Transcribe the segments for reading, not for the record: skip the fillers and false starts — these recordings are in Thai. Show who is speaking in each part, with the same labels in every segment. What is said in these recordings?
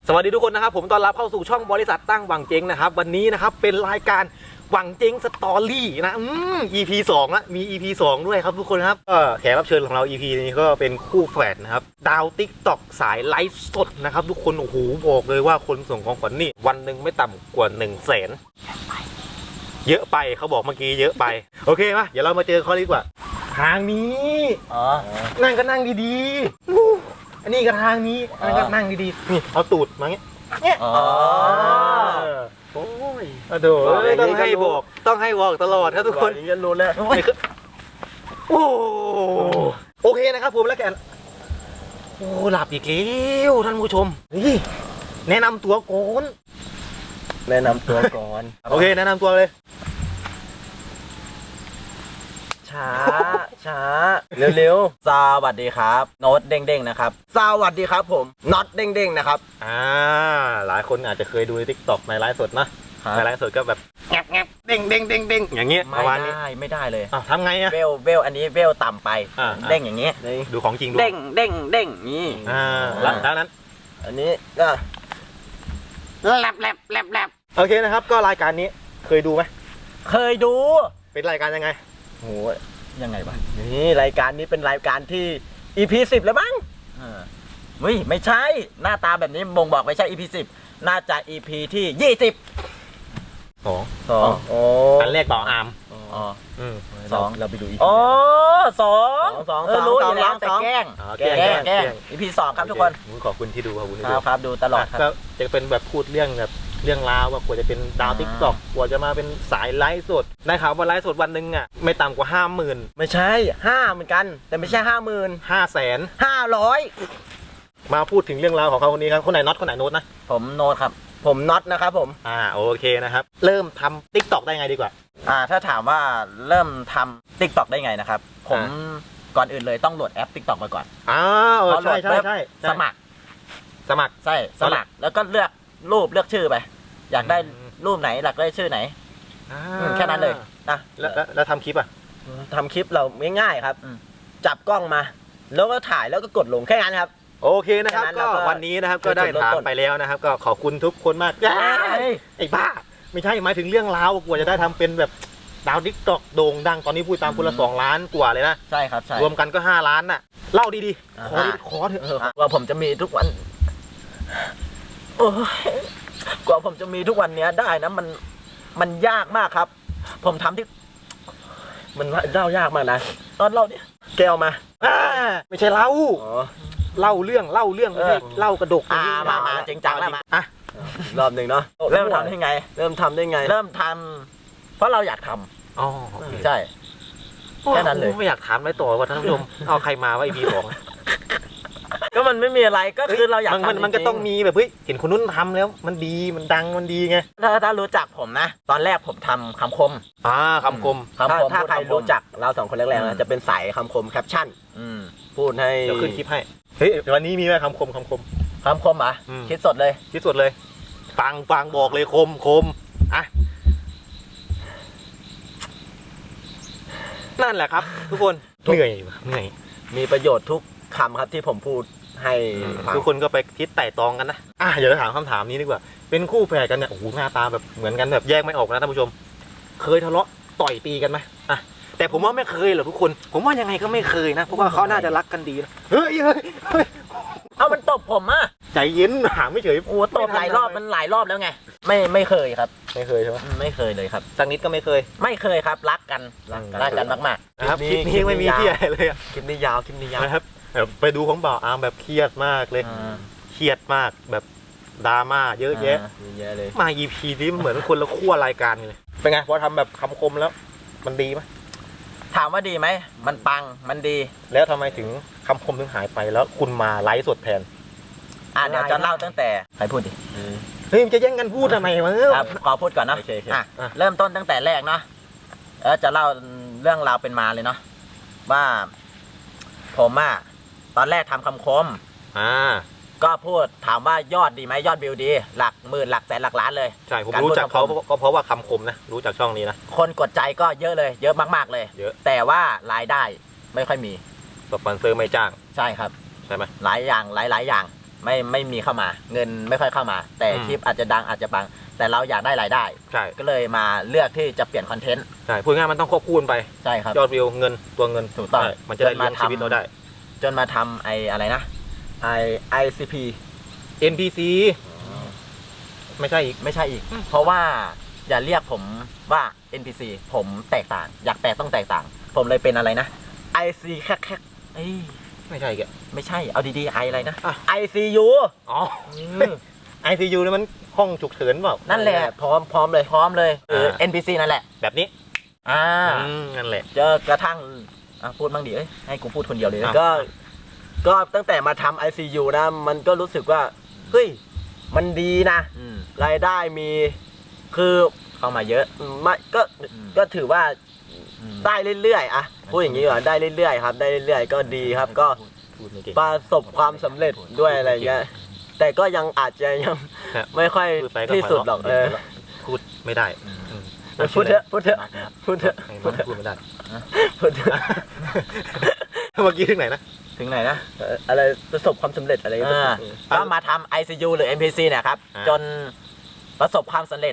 Speaker 1: สวัสดีทุกคนนะครับผมต้อนรับเข้าสู่ช่องบริษัทตั้งหวังเจ๊งนะครับวันนี้นะครับเป็นรายการหวังเจ๊งสตอรี่นะEP 2ละมี EP 2ด้วยครับทุกคนครับก็แขกรับเชิญของเรา EP นี้ก็เป็นคู่แฝดนะครับดาว TikTok สายไลฟ์สดนะครับทุกคนโอ้โหบอกเลยว่าคนส่งของขวัญนี่วันหนึ่งไม่ต่ำกว่า 100,000เยอะไปเขาบอกเมื่อกี้เยอะไปโอเคมาเดี๋ยวเรามาเจอเขาดีกว่าทางนี้นั่งก็นั่งดีๆอันนี้ก็ทางนี้อันนั้นก็นั่งดีๆนี่เอาตูดมาเงี้ยโอ้ยต้องให้บอกตลอดครับทุกคน
Speaker 2: อย่างนี้รู้แล้ว
Speaker 1: โอเคนะครับผมแล้วกันโอ้หลับอีกแล้วท่านผู้ชมนี่แนะนำตัวก่อน
Speaker 2: แนะนำตัวก่อน
Speaker 1: โอเคแนะนำตัวเลย
Speaker 2: ช้าเร็วๆสวัสดีครับโน้ตเด้งๆนะครับสวัสดีครับผมน็อตเด้งๆนะครับ
Speaker 1: หลายคนอาจจะเคยดูใน TikTok ในไลฟ์สดนะในไลฟ์สดก็แบบแงบเด้งอย่างเงี้ยประมาณนี้
Speaker 2: ไม่ได้เลย
Speaker 1: ทำไงอะ
Speaker 2: เวลอันนี้เวลต่ำไปเด้งอย่างงี้
Speaker 1: ดูของจริงดู
Speaker 2: เด้งนี่
Speaker 1: แล้วนั้น
Speaker 2: อันนี้ก็แลบ
Speaker 1: โอเคนะครับก็รายการนี้เคยดูไหม
Speaker 2: เคยดู
Speaker 1: เป็นรายการยังไง
Speaker 2: โหยังไงวะนี่รายการนี้เป็นรายการที่ EP 10แล้วมั้งไม่ใช่หน้าตาแบบนี้บ่งบอกไม่ใช่ EP 10น่าจะ EP ที่20
Speaker 1: อันแรกต่ออาร์ม
Speaker 2: 2เราไปดู EP
Speaker 1: 2
Speaker 2: รู้อยู่แล้วแต่แกล้ง EP 2ครับทุกคน
Speaker 1: ขอบคุณที่ดู
Speaker 2: ครับดูตลอดครับ
Speaker 1: ก็จะเป็นแบบพูดเรื่องราวว่ากว่าจะเป็นดาว TikTok กว่าจะมาเป็นสายไลฟ์สดได้ข่าวว่าไลฟ์สดวันหนึ่งอ่ะไม่ต่ำกว่า 50,000
Speaker 2: ไม่ใช่5เหมือนกันแต่ไม่ใช่ 50,000 500
Speaker 1: มาพูดถึงเรื่องราวของเขาคนนี้ครับคนไหนน็อตคนไหนโน้ตนะ
Speaker 2: ผมโน้ตครับผมน็อตนะครับผม
Speaker 1: โอเคนะครับเริ่มทำ TikTok ได้ไงดีกว่า
Speaker 2: ถ้าถามว่าเริ่มทำ TikTok ได้ไงนะครับผมก่อนอื่นเลยต้องโหลดแอป TikTok มาก่อน
Speaker 1: ใช่
Speaker 2: สมัครใช่สมัครแล้วก็เลือกรูปเลือกชื่อไปอยากได้รูปไหนอยากได้ชื่อไหนแค่นั้นเลยนะ
Speaker 1: แล้วทำคลิป
Speaker 2: ทำคลิปเราง่ายๆครับจับกล้องมาแล้วก็ถ่ายแล้วก็กดลงแค่นั้นครับ
Speaker 1: โอเคนะครับก็วันนี้นะครับก็ได้ถามไปแล้วนะครับก็ขอบคุณทุกคนมากไอ้บ้าไม่ใช่หมายถึงเรื่องราวกว่าจะได้ทำเป็นแบบดาว TikTok โด่งดังตอนนี้พูดตามคนละ2 ล้านกว่าเลยนะ
Speaker 2: ใช่ครับใช่
Speaker 1: รวมกันก็5 ล้านน่ะเล่าดีๆขอเถอะ
Speaker 2: ว่าผมจะมีทุกวันกว่าผมจะมีทุกวันนี้ได้นะมันยากมากครับผมทำที่มันเล่ายากมากนะตอนเล่าเนี่ยแก้วมา
Speaker 1: ไม่ใช่เล่าเรื่องไม่ใช่เล่ากระดก
Speaker 2: มาจริงจังแล้วมารอบหนึ่งเนาะเริ่มทำได้ไงเริ่มทำเพราะเราอยากทำใช่แค่นั้นเลย
Speaker 1: ไม่อยากถามอะไรต่อว่าท่านผู้ชมเอาใครมาว่าEP 2
Speaker 2: ก็มันไม่มีอะไรก็คือเราอยากทำ
Speaker 1: มันก็ต้องมีแบบเฮ้ยเห็นคนนู้นทำแล้วมันดีมันดังมันดีไง
Speaker 2: ถ้ารู้จักผมนะตอนแรกผมทำคำคม
Speaker 1: คำคม
Speaker 2: ถ้าใครรู้จักเรา2 คนแรกๆนะจะเป็นสายคำคมแคปชั่นพูดให้
Speaker 1: เดี๋ยวขึ้นคลิปให้เฮ้ยวันนี้มีไหมคำคม
Speaker 2: อ่ะคิดสดเลย
Speaker 1: ฟังบอกเลยคมอ่ะนั่นแหละครับทุกคนเหนื่อย
Speaker 2: มีประโยชน์ทุกคำครับที่ผมพูดให้
Speaker 1: ทุกคนก็ไปคิดไต่ตองกันนะเดี๋ยวถามคำถามนี้ดีกว่าเป็นคู่แฝดกันเนี่ยโอ้โหหน้าตาแบบเหมือนกันแบบแยกไม่ออกนะท่านผู้ชมเคยทะเลาะต่อยตีกันไหมแต่ผมว่าไม่เคยหรอกทุกคนผมว่ายังไงก็ไม่เคยนะเพราะว่าเขาน่าจะรักกันดีนะเฮ้ย
Speaker 2: เอามันตบผม
Speaker 1: ใจเย็นหาไม่เฉย
Speaker 2: โอ้ตบหลายรอบมันหลายรอบแล้วไงไม่เคยครับ
Speaker 1: ไม่เคยใช่ไหม
Speaker 2: ไม่เคยเลยครับ
Speaker 1: สักนิดก็ไม่เคย
Speaker 2: ครับรักกันมาก
Speaker 1: ๆนะครับคลิปนี้ไม่มีที่อะไรเลย
Speaker 2: คลิปนี้ยาว
Speaker 1: นะครับไปดูของบ่าวอาร์มแบบเครียดมากเลยเครียดมากแบบดราม่าเยอะแยะ
Speaker 2: เลย
Speaker 1: มา EP นี้เหมือนคนละขั้วรายการเลยเป็นไงพอทำแบบคำคมแล้วมันดีไหม
Speaker 2: ถามว่าดีไหมมันปังมันดี
Speaker 1: แล้วทำไมถึงคำคมถึงหายไปแล้วคุณมาไลฟ์สดแทน
Speaker 2: เดี๋ยวจะเล่าตั้งแต่ใครพูดดิ
Speaker 1: เฮ้ยจะแย่งกันพูดทำไมวะ
Speaker 2: ขอพูดก่อนนะเริ่มต้นตั้งแต่แรกเนาะจะเล่าเรื่องราวเป็นมาเลยเนาะว่าผมตอนแรกทำคำคมก็พูดถามว่ายอดดีไหมยอดวิวดีหลักหมื่นหลักแสนหลักล้านเลย
Speaker 1: ใช่ผมรู้จักเขาก็เพราะว่าคำคมนะรู้จักช่องนี้นะ
Speaker 2: คนกดใจก็เยอะเลยเยอะมากๆเลย
Speaker 1: เยอะ
Speaker 2: แต่ว่ารายได้ไม่ค่อยมี
Speaker 1: สปอนเซอร์ไม่จ้าง
Speaker 2: ใช่ครับ
Speaker 1: ใช่ไหม
Speaker 2: หลายอย่างไม่มีเข้ามาเงินไม่ค่อยเข้ามา แต่คลิปอาจจะดังอาจจะปังแต่เราอยากได้รายได้
Speaker 1: ใช่
Speaker 2: ก็เลยมาเลือกที่จะเปลี่ยนคอนเทนต์
Speaker 1: ใช่พูดง่ายมันต้องควบคู่กันไป
Speaker 2: ใช่ครับ
Speaker 1: ยอดวิวเงินตัวเงิน
Speaker 2: ถูกต้อง
Speaker 1: ใช่มันจะได้เลี้ยงชีวิตเราได้
Speaker 2: จนมาทำอะไรนะICP
Speaker 1: NPC ไม่ใช่อีก
Speaker 2: ไม่ใช่อีก เพราะว่าอย่าเรียกผมว่า NPC ผมแตกต่าง อยากแตกต้องแตกต่าง ผมเลยเป็นอะไรนะ IC แค่เอ้ย
Speaker 1: ไม่ใช่อีกอะ
Speaker 2: ไม่ใช่เอาดีๆอะไรนะ
Speaker 1: อ่ะ
Speaker 2: ICU
Speaker 1: อ๋อ ICU นี่มันห้องฉุกเฉินเปล่า
Speaker 2: นั่นแหละพร้อมเลยคือ NPC นั่นแหละ
Speaker 1: แบบนี้ นั่นแหละ
Speaker 2: เจอกระทั่งพูดบ้างดิให้กูพูดคนเดียวเลย
Speaker 1: อ่ะ
Speaker 3: ก็ตั้งแต่มาทำ ICU นะมันก็รู้สึกว่าเฮ้ยมันดีนะรายได้มีคือ
Speaker 2: เข้ามาเยอะ
Speaker 3: ไม่ก็ถือว่าได้เรื่อยๆอะพูดอย่างนี้ก่อนได้เรื่อยๆครับได้เรื่อยๆก็ดีครับก็
Speaker 1: พูดไม่เก่ง
Speaker 3: ประสบความสำเร็จด้วยอะไรเงี้ยแต่ก็ยังอาจจะยัง
Speaker 1: ครับ
Speaker 3: ไม่ค่อย
Speaker 1: พูดไปก็
Speaker 3: ที่สุดหรอก
Speaker 1: พูดไม่ได้
Speaker 3: พูดเถอะพูดเถอะพูดเถอะ
Speaker 1: พูดไม่ได้
Speaker 3: พูดเถอะ
Speaker 1: เมื่อกี้ถึงไหนนะ
Speaker 2: ถึงไหนนะ
Speaker 3: อะไรประสบความสำเร็จอะไรเงี้ย
Speaker 2: ก็มาทำ ICU หรือ NPC เนี่ยครับ จนประสบความสำเร็จ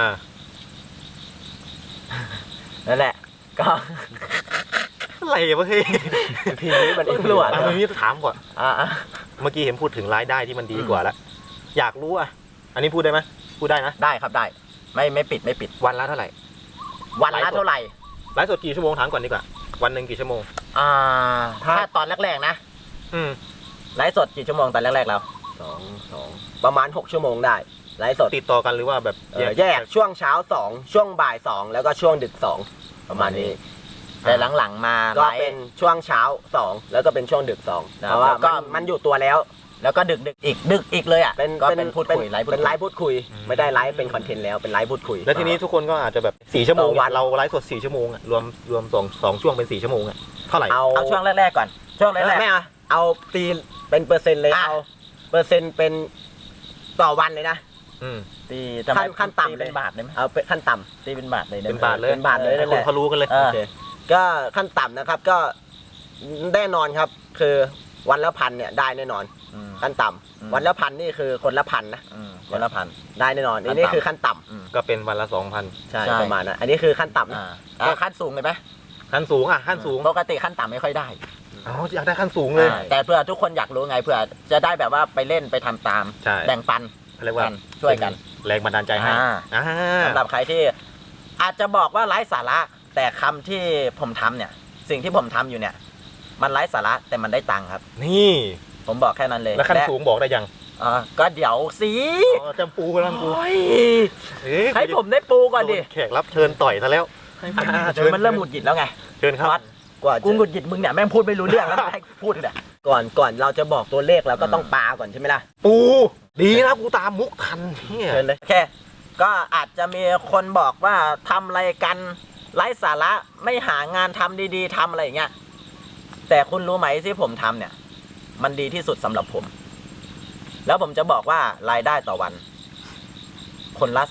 Speaker 2: นั่นแหละ ก็
Speaker 1: อะไรวะเฮ้ย
Speaker 3: ทีนี้มันอีก
Speaker 2: ตำรวจ
Speaker 1: เมื่อกี้ถามก่อน
Speaker 2: อ่ะ
Speaker 1: เมื่อกี้เห็นพูดถึงรายได้ที่มันดีกว่าแล้วอยากรู้อ่ะอันนี้พูดได้ไหมพูดได้นะ
Speaker 2: ได้ครับได้ไม่ปิด
Speaker 1: วันละเท่าไหร่
Speaker 2: วันละเท่าไหร่
Speaker 1: ไลฟ์สดกี่ชั่วโมงถามก่อนดีกว่า วันหนึ่งกี่ชั่วโมง
Speaker 2: ถ้าตอนแรกๆนะ
Speaker 1: อืม
Speaker 2: ไลฟ์สดกี่ชั่วโมงตอนแรกๆเรา
Speaker 3: สองประมาณ6 ชั่วโมงได้ไลฟ์สด
Speaker 1: ติดต่อกันหรือว่าแบบ
Speaker 3: แยกช่วงเช้า2ช่วงบ่าย2แล้วก็ช่วงดึก2ประมาณนี้
Speaker 2: แต่หลังๆมา
Speaker 3: ก็
Speaker 2: ไล
Speaker 3: เป็น
Speaker 2: ฟ์
Speaker 3: ช่วงเช้า2แล้วก็เป็นช่วงดึก2เพราะว่า
Speaker 2: แล้วก็
Speaker 3: มันอยู่ตัวแล้ว
Speaker 2: แล้วก็ดึกอีกเลยอ่ะก็เป็นพูดคุยไลฟ์
Speaker 3: เป็นไลฟ์พูดคุย ไม่ได้ไลฟ์เป็นคอนเทนต์แล้วเป็นไลฟ์พูดคุย
Speaker 1: แล้วทีนี้ทุกคนก็อาจจะแบบ4ชั่วโมง
Speaker 3: ต่อวัน
Speaker 1: เราไลฟ์สด4ชั่วโมงอะรวม2ช่วงเป็น4ชั่วโมงอะเท่าไหร่
Speaker 2: เอาช่วงแรกๆก่อน ช่วงแรก
Speaker 3: ไม่เอาตีเป็นเปอร์เซ็นต์เลย
Speaker 2: อ่ะ
Speaker 3: เอาเปอร์เซ็นต์เป็นต่อวันเลยนะ
Speaker 1: อืม
Speaker 2: ๆตี
Speaker 3: ขั้นต่ำเลย
Speaker 2: เป็นบาทเลยไหม
Speaker 3: เอาเป็นขั้นต่ำ
Speaker 2: ตีเป็นบาทเลยได้
Speaker 1: เป็น
Speaker 2: ไหม
Speaker 1: บาทเลย
Speaker 3: เป็นบาทเลย
Speaker 1: ให้คนเขารู้กันเลย
Speaker 2: เออ
Speaker 3: โอเคก็ขั้นต่ำนะครับก็แน่นอนครับ คือวันละ1,000เนี่ยได้แน่นอน
Speaker 2: อืม
Speaker 3: ขั้นต่ำ
Speaker 2: อืม
Speaker 3: วันละ1,000นี่คือคนละ1,000นะ
Speaker 2: คนละพัน
Speaker 3: ได้แน่นอน
Speaker 2: ขั้นต่ำ
Speaker 3: นี่คือขั้นต่ำ
Speaker 1: ก็เป็นวันละ2,000
Speaker 3: ใช่
Speaker 2: ใช่
Speaker 3: ประมาณนั้นอันนี้คือขั้นต่ำนะ
Speaker 2: ขั้นสูงเลยไหม
Speaker 1: ขั้นสูงอ่ะขั้นสูง
Speaker 2: ปกติขั้นต่ำไม่ค่อยได้
Speaker 1: อ๋ออยากได้ขั้นสูงเลย
Speaker 2: แต่เพื่อทุกคนอยากรู้ไงเพื่อจะได้แบบว่าไปเล่นไปทำตาม
Speaker 1: ใช่
Speaker 2: แบ่งปัน
Speaker 1: เรียกว่า
Speaker 2: กันช่วยกัน
Speaker 1: แรงบันดาลใจให้
Speaker 2: อ่า สำหรับใครที่อาจจะบอกว่าไร้สาระ แต่คำที่ผมทำเนี่ย สิ่งที่ผมทำอยู่เนี่ย มันไร้สาระแต่มันได้ตังค์ครับ
Speaker 1: นี่
Speaker 2: ผมบอกแค่นั้นเลย
Speaker 1: แล้วขั้นสูงบอกได้ยัง
Speaker 2: ก็เดี๋ยวสิ
Speaker 1: อ๋อจำปูกำลังปู
Speaker 2: โอ้ย
Speaker 1: เอ๊ะ
Speaker 2: ให้ผมได้ปูก่อนดิ
Speaker 1: โแขกรับเชิญต่อยซะแล้ว
Speaker 2: เดี๋ยวมันเริ่มหงุดหงิดแล้วไง
Speaker 1: เชิญครับ
Speaker 2: วัด
Speaker 3: กว่า
Speaker 2: กูหงุดหงิดมึงเนี่ยแม่งพูดไม่รู้เรื่องแล้วให้พูดเลย
Speaker 3: ก่อนเราจะบอกตัวเลขเราก็ต้องปาก่อนใช่ไหมล่ะ
Speaker 1: ปูดีนะกูตามมุกทันเนี่ย
Speaker 3: เชิญเลย
Speaker 2: โอเคก็อาจจะมีคนบอกว่าทำอะไรกันไร้สาระไม่หางานทำดีๆทำอะไรอย่างเงี้ยแต่คุณรู้ไหมที่ผมทำเนี่ย มันดีที่สุดสำหรับผม แล้วผมจะบอกว่ารายได้ต่อวัน คนละ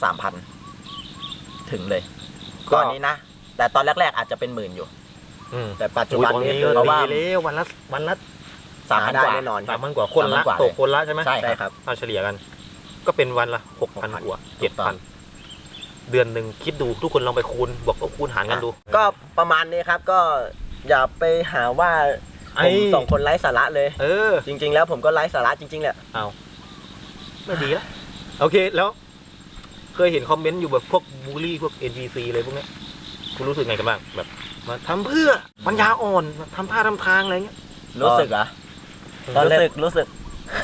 Speaker 2: 3,000 ถึงเลยก่อนนี้นะ แต่ตอนแรกๆอาจจะเป็นหมื่นอยู่
Speaker 3: แต่ปัจจุบัน
Speaker 1: ตอน
Speaker 3: นี้
Speaker 1: นี้
Speaker 3: คื
Speaker 1: ก็
Speaker 3: อ
Speaker 2: เพราะว่า
Speaker 1: ดีแล้ววันละ
Speaker 2: 3,000
Speaker 3: ได้
Speaker 2: กว่า
Speaker 3: แน่นอนค
Speaker 1: สา
Speaker 3: รั
Speaker 1: ม
Speaker 3: บ
Speaker 1: พันกว่าคนละ
Speaker 2: 3,000กว่า
Speaker 1: ตกคนละใช่ไหม
Speaker 2: ใช่
Speaker 3: ใช่ครับ
Speaker 1: เอาเฉลี่ยกัน ก็เป็นวันละ6,000กว่า
Speaker 2: ถูกต้อง
Speaker 1: 7,000เดือนหนึ่งคิดดูทุกคนลองไปคูณบอกว่าคูณหารกันดู
Speaker 3: ก็ประมาณนี้ครับก็อย่าไปหาว่า
Speaker 1: ไอ้
Speaker 3: ผม2 คนไร้สาระเลย
Speaker 1: เออ
Speaker 3: จริง ๆ แล้วผมก็ไร้สาระจริงๆแหละ
Speaker 1: เอาไม่ดีละโอเคแล้ว เคยเห็นคอมเมนต์อยู่แบบพวกบูลลี่พวก NPC อะไรพวกเนี้ยคุณรู้สึกไงกันบ้างแบบมาทำเพื่อปัญญาอ่อนทำท่าทำทางอะไรเงี้ย
Speaker 2: รู้สึกเหรอ
Speaker 3: ตอนแรก
Speaker 2: รู้สึก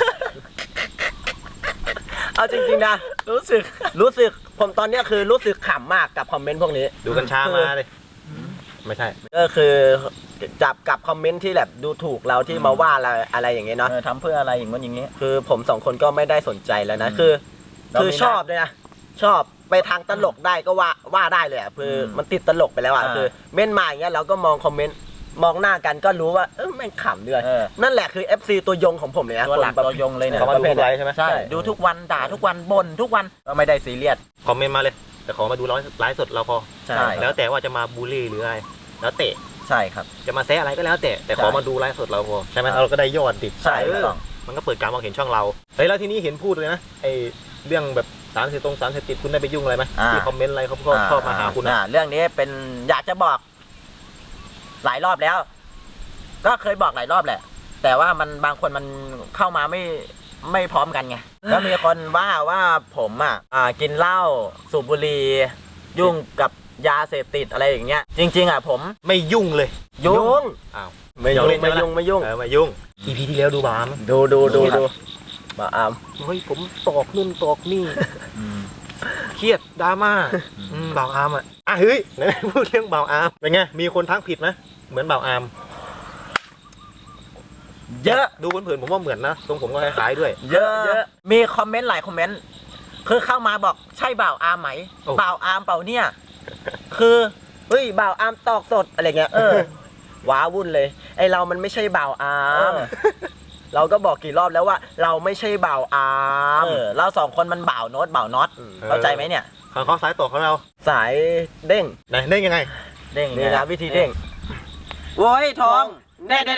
Speaker 3: เอาจริงๆนะรู้สึกผมตอนเนี้ยคือรู้สึกขำมากกับคอมเมนต์พวกนี้
Speaker 1: ดูกัญชามาเลย ไม่ใช่
Speaker 3: ก็คือจับกับคอมเมนต์ที่แบบดูถูกเราที่มาว่าอะไรอย่างเงี้ยเนาะ
Speaker 2: ทำเพื่ออะไรอย่างนี้
Speaker 3: คือผม2 คนก็ไม่ได้สนใจแล้วนะ
Speaker 2: อืม
Speaker 3: คือ
Speaker 2: เราไม่
Speaker 3: ชอบด้วยนะชอบไปทางตลกได้ก็ว่าได้เลยอ่ะคือมันติดตลกไปแล้วอ่ะคือเม่นมาอย่างเงี้ยเราก็มองคอมเมนต์มองหน้ากันก็รู้ว่าแม่งขำด้วยนั่นแหละคือ FC ตัวยงของผมเลยนะ
Speaker 2: ตัวหลัก
Speaker 3: คน
Speaker 2: ตัวยงเลยเนี่ย
Speaker 1: เขามาดูไลฟ์ใช่ไหม
Speaker 2: ใช่ดูทุกวันด่าทุกวันบ่นทุกวันก็ไม่ได้ซีเรียส
Speaker 1: คอมเมนต์มาเลย แต่ขอมาดูไลฟ์สดเราพอ
Speaker 2: ใช่
Speaker 1: แล้วแต่ว่าจะมาบูลลี่หรืออะไรแล้วแต่
Speaker 2: ใช่ครับ
Speaker 1: จะมาแซะอะไรก็แล้วแต่ขอ
Speaker 2: ใช่
Speaker 1: มาดูไลฟ์สดเราพอใช่ไหมเราก็ได้ยอดดิ
Speaker 2: ใช่
Speaker 1: เออ
Speaker 2: ต้อง
Speaker 1: มันก็เปิดการมองเห็นช่องเราเฮ้ยแล้วทีนี้เห็นพูดเลยนะไอเรื่องแบบสารเสพติดคุณได้ไปยุ่งอะไรไหมที่คอมเมนต์อะไรเขาก็ชอบมาหาคุณนะ
Speaker 2: เรื่องนี้เป็นอยากจะบอกหลายรอบแล้ว ก็เคยบอกหลายรอบแหละ แต่ว่ามันบางคนมันเข้ามาไม่พร้อมกันไงแล้วมีคนว่าผมกินเหล้าสูบบุหรี่ยุ่งกับยาเสพติดอะไรอย่างเงี้ยจริงๆผม
Speaker 1: ไม่ยุ่งเลย
Speaker 2: ยุ่ง
Speaker 1: อ้าว
Speaker 3: ไม่ยุ่งไม่ยุ่งไม่ยุ่ง
Speaker 1: ไม่ยุ่ง EP ที่แล้วดูบาม
Speaker 3: ดูบ่าวอาม
Speaker 1: เฮ้ยผมตอกนู่นตอกนี่เครียดดราม่าบ่าวอาร์มเฮ้ยไหนพูดเรื่องบ่าวอาร์มเป็นไงมีคนทักผิดไหมเหมือนบ่าวอาร์ม
Speaker 2: เยอะ
Speaker 1: ดูเผินๆผมว่าเหมือนนะตรงผมก็คล้ายๆด้วย
Speaker 2: เยอะมีคอมเมนต์หลายคอมเมนต์คือเข้ามาบอกใช่บ่าวอาร์มไหม
Speaker 1: โอ้
Speaker 2: บ่าวอาร์มเปล่าเนี่ย คือ
Speaker 3: เฮ้ยบ่าวอามตอกสดอะไรเงี้ยว้าวุ่นเลยไอเรามันไม่ใช่บ่าวอามเราก็บอกกี่รอบแล้วว่า เราไม่ใช่บ่าวอาม
Speaker 2: เราสองคนมันบ่าวโน้ตบ่าวน็อตเข้าใจไหมเนี่ย
Speaker 1: ของเขาสายต่อของเรา
Speaker 3: สายเด้ง
Speaker 1: ไหนเด้งยังไง
Speaker 2: เด้ง
Speaker 3: นี่นะวิธีเด้งโว้ยทองเด้ง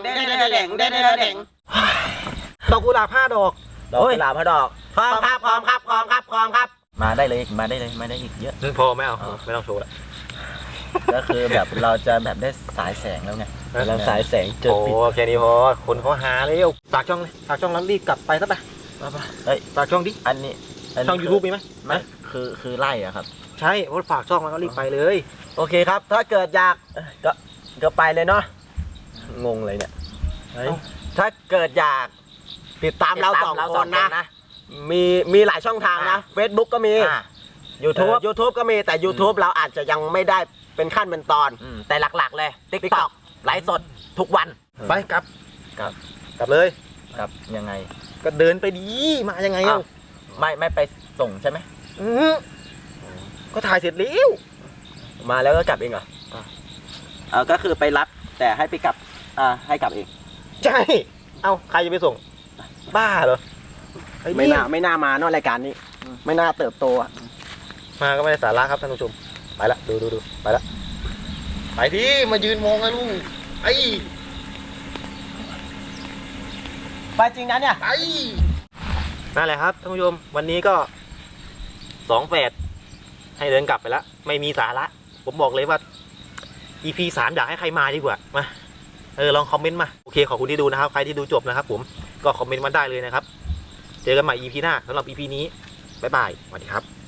Speaker 1: ดอกกุหลาบ5 ดอก
Speaker 3: ดอกกุหลาบพระดอก
Speaker 2: พร้อมครับมาได้เลยมาได้อีกเยอะ
Speaker 1: พอไม่เอาไม่ต้องโชว์ละ
Speaker 2: ก็คือแบบเราจะแบบได้สายแสงแล้วไง
Speaker 3: เราสายแสงเจอ
Speaker 1: โอ้
Speaker 3: ปิด
Speaker 1: แค่นี้พอคนเขาหาเร็วฝากช่องเลยฝากช่องแล้วรีบกลับไปซะไป
Speaker 2: เฮ้ย
Speaker 1: ฝากช่องดิ
Speaker 2: อันนี้
Speaker 1: ช่อง YouTube มีไหม
Speaker 2: ไม่คือไล่อะครับ
Speaker 1: ใช่เพราะฝากช่องแล้วก็รีบไปเลย
Speaker 3: โอเคครับ ถ้าเกิดอยากก็ไปเลยเนาะงงเลยเนี่ยเฮ้ย
Speaker 2: ถ้าเกิดอยาก
Speaker 3: ติดตามเราสองคนนะมีหลายช่องทางนะ Facebook ก็มี YouTube ก็มีแต่ YouTube เราอาจจะยังไม่ได้เป็นขั้นเป็นตอน
Speaker 2: แต่หลักๆเลย TikTok ไลฟ์สดทุกวัน
Speaker 1: ไปกลับ
Speaker 2: ครับ
Speaker 1: กลับเลย
Speaker 2: ครับยังไง
Speaker 1: ก็เดินไปดีมายังไง
Speaker 2: อ้าวไม่ไปส่งใช่ไหม
Speaker 1: ก็ถ่ายเสร็จแล้ว
Speaker 3: มาแล้วก็กลับเองเหรอก็คือไปรับแต่ให้ไปกลับให้กลับเอง
Speaker 1: ใช่เอาใครจะไปส่งบ้าเหรอไอ้
Speaker 3: ไม่
Speaker 1: นี่
Speaker 3: น่ามาเนอะรายการนี้ ไม่น่าเติบโตอะ
Speaker 1: มาก็ไม่ได้สาระครับท่านผู้ชมไปละดูไปละไปที่มายืนมองไอ้ลุงไอ้
Speaker 3: ไปจริงนะเนี่ย
Speaker 1: ไอ้นั่นแหละครับท่านผู้ชมวันนี้ก็2 แฝดให้เดินกลับไปแล้วไม่มีสาระผมบอกเลยว่า EP 3อยากให้ใครมาดีกว่ามาลองคอมเมนต์มาโอเคขอบคุณที่ดูนะครับใครที่ดูจบนะครับผมก็คอมเมนต์มาได้เลยนะครับเจอกันใหม่ EP หน้าสำหรับ EP นี้บ๊ายบายสวัสดีครับ